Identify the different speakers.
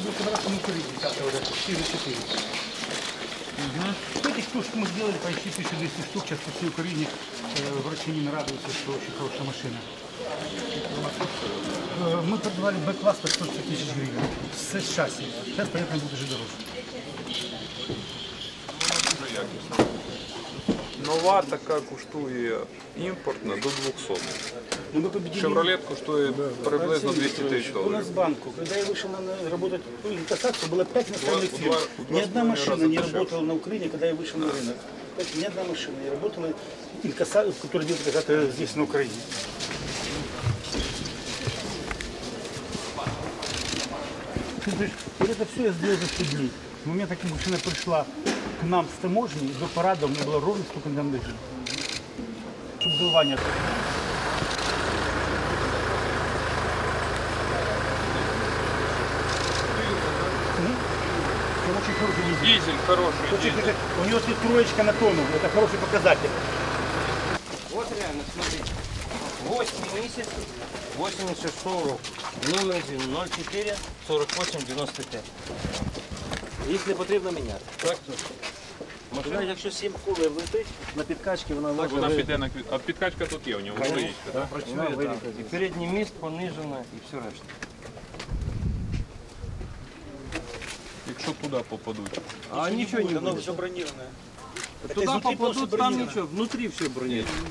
Speaker 1: будет собраться на Украине, как-то уже 4. Этих штучек мы сделали почти 1200 штук. Сейчас по всей Украине врачи не радуются, что очень хорошая машина. Мы продавали Б-класс по 150 тысяч гривен с шасси. Сейчас, понятно, будет уже дороже.
Speaker 2: Нова така коштує імпортна до 200.
Speaker 1: Но мы победили.
Speaker 2: Шевролет коштує приблизно 200 тисяч
Speaker 1: У нас
Speaker 2: доларів.
Speaker 1: в банку, когда я вышел работать в инкассацию, было 5 иностранных
Speaker 2: Два-
Speaker 1: фирм.
Speaker 2: два-
Speaker 1: Ни одна
Speaker 2: два
Speaker 1: машина
Speaker 2: раза
Speaker 1: не
Speaker 2: дешевле.
Speaker 1: работала на Украине, когда я вышел на рынок. Ни одна машина не работала, который делает когда-то здесь, на Украине. Ты знаешь, вот это все я сделал за 100 дней. С момента, как машина пришла к нам с таможни, до парада у меня было ровно столько дней дождей. Чтобы голова не открылась. Он очень хороший дизель.
Speaker 2: Дизель хороший.
Speaker 1: Очень хороший. У него тут троечка на тонну, это хороший показатель.
Speaker 3: Вот реально, смотрите. 8 месяц, 86 року. Номер 04 48 95. Якщо потрібно міняти. Так, машина, якщо 7 колів летить, на підкачці вона може
Speaker 2: Вона піде на квіт. А підкачка тут є у нього, стоїть.
Speaker 3: вона вилітає. І передній міст понижено, і все решта.
Speaker 2: Якщо туди попадуть.
Speaker 3: А нічого не буде.
Speaker 1: все бронированное.
Speaker 3: Туда попадут, там ничего, внутри все бронировано.